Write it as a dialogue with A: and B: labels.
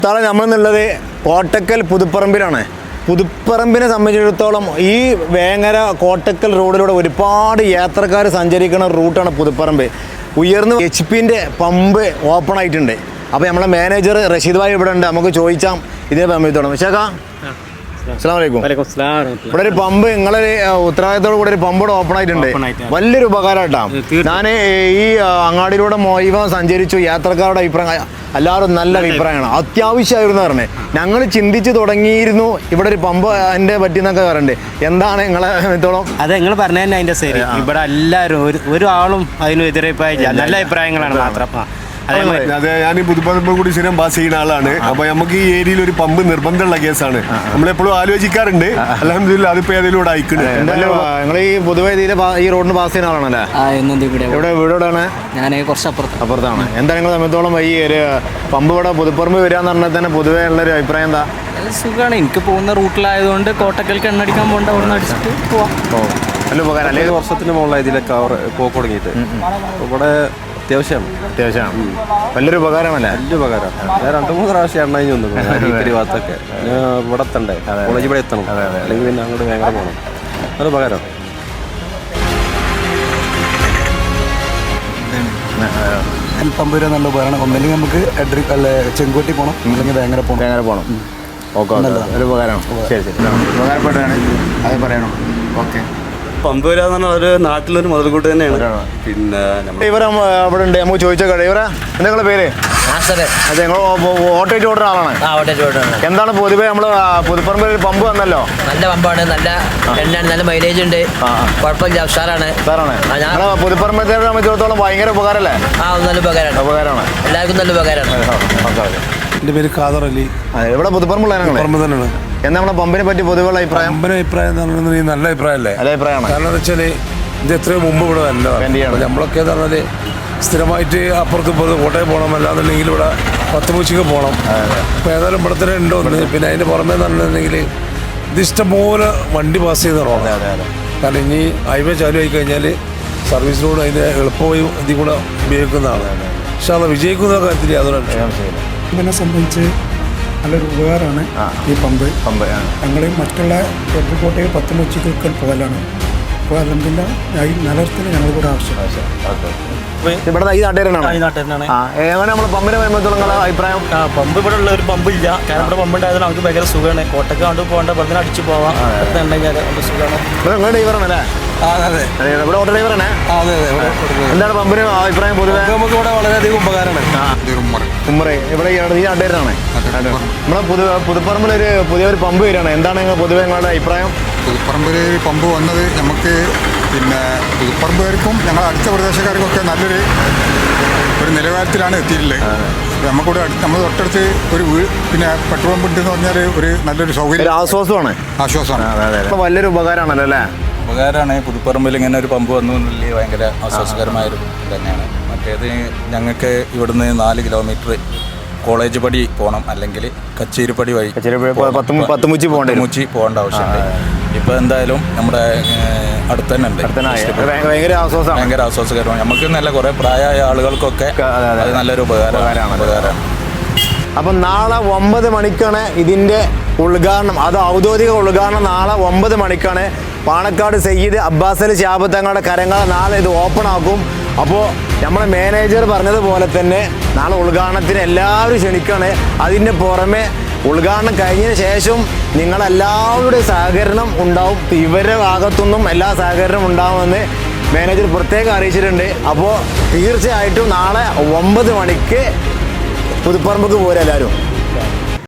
A: നാളെ നമ്മളെന്നുള്ളത് കോട്ടക്കൽ പുതുപ്പറമ്പിലാണ്. പുതുപ്പറമ്പിനെ സംബന്ധിച്ചിടത്തോളം ഈ വേങ്ങര കോട്ടക്കൽ റോഡിലൂടെ ഒരുപാട് യാത്രക്കാർ സഞ്ചരിക്കുന്ന റൂട്ടാണ് പുതുപ്പറമ്പ്. ഉയർന്ന HP-ൻ്റെ പമ്പ് ഓപ്പൺ ആയിട്ടുണ്ട്. അപ്പോൾ നമ്മളെ മാനേജർ റഷീദ് ഭായി ഇവിടെ ഉണ്ട്, നമുക്ക് ചോദിച്ചാൽ ഇതിനെ സംബന്ധിച്ചോളാം. വിശാഖ അസ്സലാമു അലൈക്കും. ഇവിടെ ഒരു പമ്പ് നിങ്ങളെ ഉത്തരവാദിത്തോട് കൂടെ ഒരു പമ്പ് ഇവിടെ ഓപ്പൺ ആയിട്ടുണ്ട്. വലിയൊരു ഉപകാരം കേട്ടോ. ഞാൻ ഈ അങ്ങാടിയിലൂടെ മൊയ്വ സഞ്ചരിച്ചു, യാത്രക്കാരുടെ അഭിപ്രായം എല്ലാവരും നല്ല അഭിപ്രായമാണ്. അത്യാവശ്യമായിരുന്നു പറഞ്ഞത്. ഞങ്ങൾ ചിന്തിച്ച് തുടങ്ങിയിരുന്നു ഇവിടെ ഒരു പമ്പ് അതിൻ്റെ പറ്റിയെന്നൊക്കെ പറയുന്നുണ്ട്. എന്താണ് നിങ്ങളെ തോളം?
B: അതെ, നിങ്ങൾ പറഞ്ഞു തന്നെ അതിൻ്റെ ശരി. ഇവിടെ എല്ലാവരും ഒരാളും അതിന് എതിരഭിപ്രായം നല്ല അഭിപ്രായങ്ങളാണ് മാത്രം.
C: അതെ, ഞാൻ ഈ പുതുപ്പറമ്പ് കൂടി സ്ഥിരം പാസ് ചെയ്യുന്ന ആളാണ്. അപ്പൊ നമുക്ക് ഈ ഏരിയയിൽ ഒരു പമ്പ് നിർബന്ധമുള്ള കേസാണ്. നമ്മളെപ്പോഴും ആലോചിക്കാറുണ്ട്. അൽഹംദുലില്ലാ അതിപ്പോ ഏതെങ്കിലും അയക്കുന്നുണ്ട്.
A: നിങ്ങൾ ഈ പൊതുവെ ഈ റോഡിന് പാസ് ചെയ്യുന്ന ആളാണല്ലേ? ഇവിടെ വീടോടാണ്?
B: ഞാൻ കുറച്ച്
A: അപ്പുറത്താണ്. എന്താ നിങ്ങൾ സമയത്തോളം ഈ ഒരു പമ്പ് ഇവിടെ പുതുപ്പറമ്പ് വരികയെന്ന് പറഞ്ഞാൽ തന്നെ പൊതുവേ ഉള്ളൊരു അഭിപ്രായം എന്താ?
B: സുഖമാണ്. എനിക്ക് പോകുന്ന റൂട്ടിലായതുകൊണ്ട് കോട്ടക്കൽക്ക് എണ്ണടിക്കാൻ പോകേണ്ട അവിടെ നിന്ന് അടിച്ചിട്ട് പോവാം.
A: നല്ല ഉപകാരം. അല്ലെങ്കിൽ
D: വർഷത്തിന് മുകളിലായി ഇതിലൊക്കെ പോക്ക് തുടങ്ങിയിട്ട്. ഇവിടെ അത്യാവശ്യമാണ്. വലിയൊരു ഉപകാരമല്ലേ? വലിയ ഉപകാരം. ഞാൻ 2-3 പ്രാവശ്യം എണ്ണ കഴിഞ്ഞു വന്നു ഭാഗത്തൊക്കെ. ഇവിടെ എത്തണ്ടേ, കോളേജ് ഇവിടെ എത്തണം, അല്ലെങ്കിൽ പിന്നെ അങ്ങോട്ട് ഭയങ്കര പോകണം. നല്ല ഉപകാരം.
E: പമ്പ് വരെ നല്ല ഉപകാരമാണ്. ഒന്നല്ലെങ്കിൽ നമുക്ക് ചെങ്കോട്ടി പോകണം, അല്ലെങ്കിൽ ഭയങ്കര പോകണം.
A: ഓക്കെ, ഒരു ഉപകാരമാണ്. ശരി ശരി, ഉപകാരപ്പെട്ടാണ് അത് പറയണം. ഓക്കെ.
D: പമ്പ് വരാന്ന് പറഞ്ഞാൽ ഒരു നാട്ടിലൊരു മുതൽക്കൂട്ട് തന്നെയാണ്. പിന്നെ
A: ഇവരെ അവിടെ ഉണ്ട്, നമുക്ക് ചോദിച്ചോട്ടെ. ഇവരെ എന്താ നിങ്ങളുടെ പേര്? അതെ, നിങ്ങൾ ഓട്ടോയിട്ട് ഓടുന്ന ആളാണ്. എന്താണ് പൊതുവെ നമ്മൾ പുതുപ്പറമ്പിൽ ഒരു പമ്പ് വന്നല്ലോ?
F: നല്ല പമ്പാണ്, നല്ല എണ്ണയാണ്, നല്ല മൈലേജ് ഉണ്ട്, കുഴപ്പമില്ല, ഉഷാറാണ്.
A: ഞങ്ങൾ പുതുപ്പറമ്പത്തെ സംബന്ധിച്ചിടത്തോളം ഭയങ്കര ഉപകാരമല്ലേ?
F: നല്ല ഉപകാരമാണ്, എല്ലാവർക്കും നല്ല ഉപകാരമാണ്.
E: എൻ്റെ പേര് ഖാദർ അലി.
A: ഇവിടെ പുതുപ്പറമ്പുള്ള
E: പറമ്പ് തന്നെയാണ്.
A: എന്താ നമ്മുടെ പമ്പിനെ പറ്റി പൊതുവെയുള്ള അഭിപ്രായം?
E: പമ്പിന്റെ അഭിപ്രായം എന്ന് പറഞ്ഞാൽ നല്ല അഭിപ്രായമല്ലേ?
A: നല്ല അഭിപ്രായമാണ്.
E: കാരണം എന്താ വെച്ചാൽ ഇത് എത്രയോ മുമ്പ് ഇവിടെ നല്ലതാണ്. നമ്മളൊക്കെ എന്ന് പറഞ്ഞാൽ സ്ഥിരമായിട്ട് അപ്പുറത്ത് കോട്ടയം പോകണം, അല്ലാന്നുണ്ടെങ്കിൽ ഇവിടെ പത്തുമൂച്ചിക്ക് പോകണം. അപ്പോൾ ഏതായാലും ഇവിടെ തന്നെ ഉണ്ടോ എന്ന്. പിന്നെ അതിൻ്റെ പുറമേ എന്ന് പറഞ്ഞിട്ടുണ്ടെങ്കിൽ ഇത് ഇഷ്ടംപോലെ വണ്ടി പാസ് ചെയ്ത് റോഡാണ്. കാരണം ഇനി ഹൈവേ ചാലു ആയി കഴിഞ്ഞാൽ സർവീസ് റോഡ് അതിൻ്റെ എളുപ്പമായി ഇതിൽ കൂടെ ഉപയോഗിക്കുന്നതാണ്. പക്ഷെ അത് വിജയിക്കുന്ന കാര്യത്തിൽ യാതൊരു
G: ഇതിനെ സംബന്ധിച്ച് നല്ലൊരു ഉപകാരമാണ് ഈ പമ്പ്. ഞങ്ങൾ മറ്റുള്ള കോട്ടയം പത്തുമൂച്ചിക്കൊക്കെ പോകലാണ്. അപ്പോൾ അല്ലെങ്കിൽ ഈ നഗരത്തിന് ഞങ്ങൾക്കൂടെ ആവശ്യമാണ്.
A: ഇവിടെ ഈ നാട്ടുകാരനാണ്. എങ്ങനെ നമ്മൾ പമ്പിനെ വരുമ്പോഴത്തോളം അഭിപ്രായം?
B: പമ്പ് ഇവിടെ ഉള്ള ഒരു പമ്പ് ഇല്ല. കാരണം ഇവിടെ പമ്പ് ഉണ്ടായതുകൊണ്ട് നമുക്ക് ഭയങ്കര സുഖമാണ്. കോട്ടയ്ക്ക് കൊണ്ട് പോകേണ്ട വെറുതെ അടിച്ച് പോവാം. ഉണ്ടെങ്കിൽ സുഖമാണ്.
A: നിങ്ങൾ ഡ്രൈവറാണല്ലേ? ഇവിടെ ഓട്ടോ ഡ്രൈവറാണ്. എന്താണ് പമ്പിന് അഭിപ്രായം പൊതുവെ?
E: നമുക്ക് ഇവിടെ വളരെയധികം ഉപകാരമാണ്.
A: ഉമ്മറെ ഇവിടെ ഈ നാട്ടുകാരനാണ്. നമ്മളെ പുതുപ്പറമ്പിലൊരു പുതിയൊരു പമ്പ് വരികയാണ്. എന്താണ് നിങ്ങൾ പൊതുവെ നിങ്ങളുടെ അഭിപ്രായം?
H: പുതുപ്പറമ്പിൽ പമ്പ് വന്നത് നമുക്ക് പിന്നെ പുതുപ്പറമ്പുകാർക്കും ഞങ്ങൾ അടുത്ത പ്രദേശക്കാർക്കും ഒക്കെ നല്ലൊരു നിലവാരത്തിലാണ് എത്തിയിട്ടുള്ളത്. നമുക്കിവിടെ നമ്മൾ തൊട്ടടുത്ത് ഒരു പിന്നെ പെട്രോൾ പമ്പ് ഉണ്ടെന്ന് പറഞ്ഞാൽ ഒരു നല്ലൊരു സൗകര്യം, ആശ്വാസമാണ്.
A: വലിയൊരു ഉപകാരമാണല്ലോ അല്ലേ?
D: ഉപകാരമാണ്. പുതുപ്പറമ്പിൽ ഇങ്ങനെ ഒരു പമ്പ് വന്നു എന്നുള്ളത് ഭയങ്കര ആശ്വാസകരമായൊരു തന്നെയാണ്. മറ്റേത് ഞങ്ങൾക്ക് ഇവിടുന്ന് 4 കിലോമീറ്റർ കോളേജ് പടി പോകണം, അല്ലെങ്കിൽ കച്ചേരിപ്പടി വഴി
A: പത്തുമൂച്ചി
D: പോകേണ്ട ആവശ്യമുണ്ട്. ഇപ്പോൾ എന്തായാലും നമ്മുടെ അടുത്ത് തന്നെ ഉണ്ട്.
A: ഭയങ്കര
D: ആശ്വാസകരമാണ്. നമുക്ക് നല്ല കുറേ പ്രായമായ ആളുകൾക്കൊക്കെ അത് നല്ലൊരു ഉപകാരമാണ്.
A: അപ്പം നാളെ 9 മണിക്കാണ് ഇതിൻ്റെ ഉദ്ഘാടനം. അത് ഔദ്യോഗിക ഉദ്ഘാടനം നാളെ 9 മണിക്കാണ്. പാണക്കാട് സയ്യിദ് അബ്ബാസ് അലി ശിഹാബ് തങ്ങളുടെ കരങ്ങൾ നാളെ ഇത് ഓപ്പൺ ആക്കും. അപ്പോൾ നമ്മുടെ മാനേജർ പറഞ്ഞതുപോലെ തന്നെ നാളെ ഉദ്ഘാടനത്തിന് എല്ലാവരും ക്ഷണിക്കുകയാണ്. അതിൻ്റെ പുറമെ ഉദ്ഘാടനം കഴിഞ്ഞതിന് ശേഷം നിങ്ങളെല്ലാവരുടെയും സഹകരണം ഉണ്ടാവും. ഇവരുടെ ഭാഗത്തുനിന്നും എല്ലാ സഹകരണം ഉണ്ടാവുമെന്ന് മാനേജർ പ്രത്യേകം അറിയിച്ചിട്ടുണ്ട്. അപ്പോൾ തീർച്ചയായിട്ടും നാളെ 9 മണിക്ക് പുതുപ്പറമ്പക്ക് പോരെ എല്ലാവരും.